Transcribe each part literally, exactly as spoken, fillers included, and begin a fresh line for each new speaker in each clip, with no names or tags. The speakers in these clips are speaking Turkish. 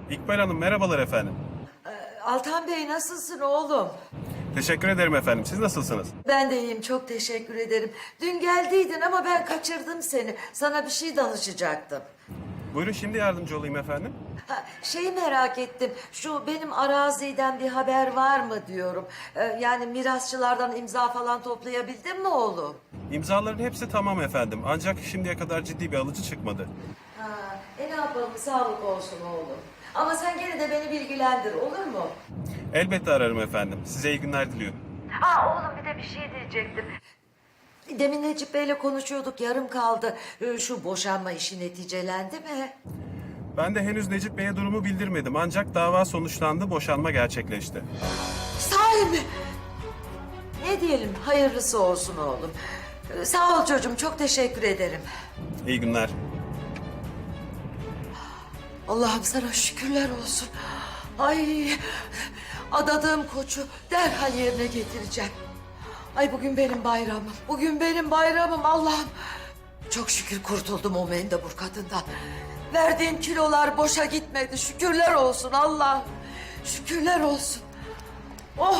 İkbal Hanım merhabalar efendim.
Altan Bey nasılsın oğlum?
Teşekkür ederim efendim. Siz nasılsınız?
Ben de iyiyim, çok teşekkür ederim. Dün geldiydin ama ben kaçırdım seni. Sana bir şey danışacaktım.
Buyurun şimdi yardımcı olayım efendim.
Ha, şeyi merak ettim. Şu benim araziden bir haber var mı diyorum. Ee, yani mirasçılardan imza falan toplayabildin mi oğlum?
İmzaların hepsi tamam efendim. Ancak şimdiye kadar ciddi bir alıcı çıkmadı.
Ha, e ne yapalım, sağlık olsun oğlum. Ama sen gene de beni bilgilendir, olur mu?
Elbette ararım efendim. Size iyi günler diliyorum.
Aa oğlum, bir de bir şey diyecektim. Demin Necip Bey'le konuşuyorduk, yarım kaldı. Ee, Şu boşanma işi neticelendi mi?
Ben de henüz Necip Bey'e durumu bildirmedim. Ancak dava sonuçlandı, boşanma gerçekleşti.
Sahi mi? Ne diyelim, hayırlısı olsun oğlum. Ee, Sağ ol çocuğum, çok teşekkür ederim.
İyi günler.
Allah'ım sana şükürler olsun. Ay, adadığım koçu derhal yerine getireceğim. Ay bugün benim bayramım, bugün benim bayramım Allah'ım. Çok şükür kurtuldum o mendebur kadından. Verdiğim kilolar boşa gitmedi, şükürler olsun Allah'ım. Şükürler olsun. Oh!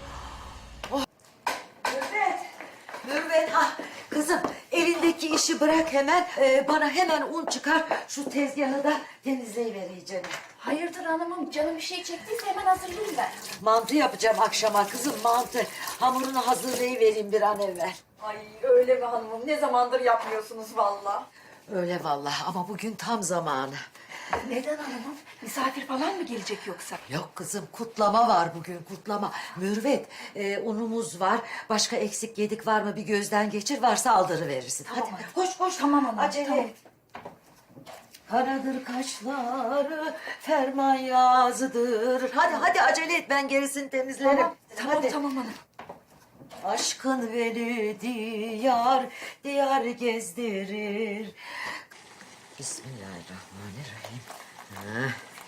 Mürvet, Mürvet, ha kızım elindeki işi bırak hemen, e, bana hemen un çıkar, şu tezgahı da temizleyivereceğim.
Hayırdır hanımım, canım bir şey çektiyse hemen hazırlayayım ben.
Mantı yapacağım akşama kızım, mantı. Hamurunu hazırlayıvereyim bir an evvel.
Ay öyle mi hanımım, ne zamandır yapmıyorsunuz vallahi.
Öyle vallahi ama bugün tam zamanı.
Neden hanımım, misafir falan mı gelecek yoksa?
Yok kızım, kutlama var bugün, kutlama. Mürvet, e, unumuz var. Başka eksik yedik var mı bir gözden geçir, varsa aldırıverirsin.
Tamam
Hadi
hanım.
koş koş.
Tamam hanım,
Acele
tamam.
et. Karadır kaşları, ferman yazıdır. Hadi hadi acele et, ben gerisini temizlerim.
Tamam, tamam,
Hadi.
tamam hanım.
Aşkın beni diyar, diyar gezdirir. Bismillahirrahmanirrahim. Ha.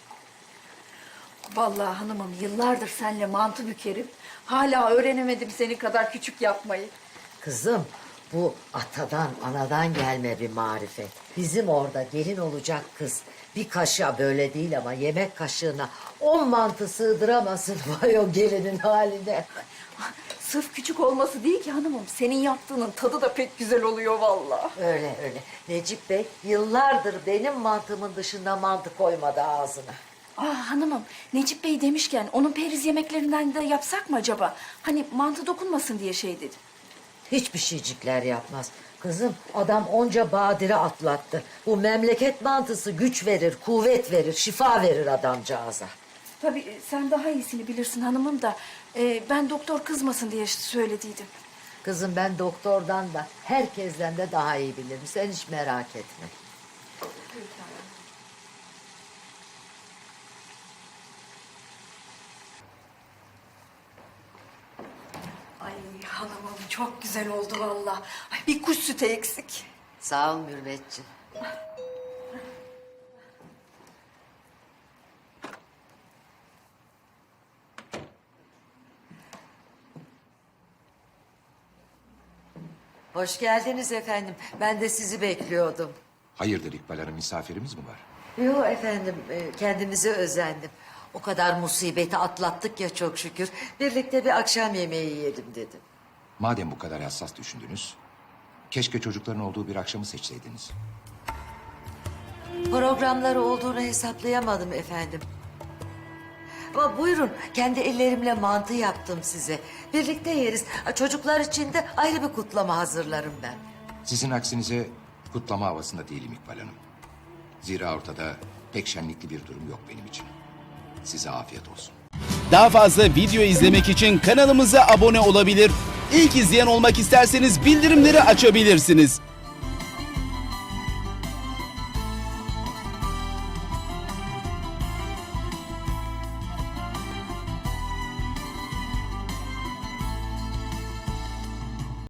Vallahi hanımım, yıllardır seninle mantı bükerim. Hala öğrenemedim seni kadar küçük yapmayı.
Kızım, bu atadan, anadan gelme bir marifet. Bizim orada gelin olacak kız bir kaşığa, böyle değil ama yemek kaşığına on mantı sığdıramasın. Vay o gelinin haline.
Sırf küçük olması değil ki hanımım, senin yaptığının tadı da pek güzel oluyor vallahi.
Öyle öyle. Necip Bey yıllardır benim mantımın dışında mantı koymadı ağzına.
Aa hanımım, Necip Bey demişken onun periz yemeklerinden de yapsak mı acaba? Hani mantı dokunmasın diye şey dedim.
Hiçbir şeycikler yapmaz. Kızım, adam onca badire atlattı. Bu memleket mantısı güç verir, kuvvet verir, şifa verir adamcağıza.
Tabii e, sen daha iyisini bilirsin hanımım da e, ben doktor kızmasın diye söylediydim.
Kızım, ben doktordan da herkesten de daha iyi bilirim. Sen hiç merak etme.
Ay hanımım çok güzel oldu vallahi. Ay bir kuş sütü eksik.
Sağ ol Mürvetciğim. Hoş geldiniz efendim. Ben de sizi bekliyordum.
Hayırdır İkbal Hanım, misafirimiz mi var?
Yok efendim, e, kendimize özendim. O kadar musibeti atlattık ya çok şükür. Birlikte bir akşam yemeği yiyelim dedim.
Madem bu kadar hassas düşündünüz, keşke çocukların olduğu bir akşamı seçseydiniz.
Programları olduğunu hesaplayamadım efendim. Ama buyurun, kendi ellerimle mantı yaptım size. Birlikte yeriz. Ha, çocuklar için de ayrı bir kutlama hazırlarım ben.
Sizin aksinize kutlama havasında değilim İkbal Hanım. Zira ortada pek şenlikli bir durum yok benim için. Size afiyet olsun.
Daha fazla video izlemek için kanalımıza abone olabilir. İlk izleyen olmak isterseniz bildirimleri açabilirsiniz.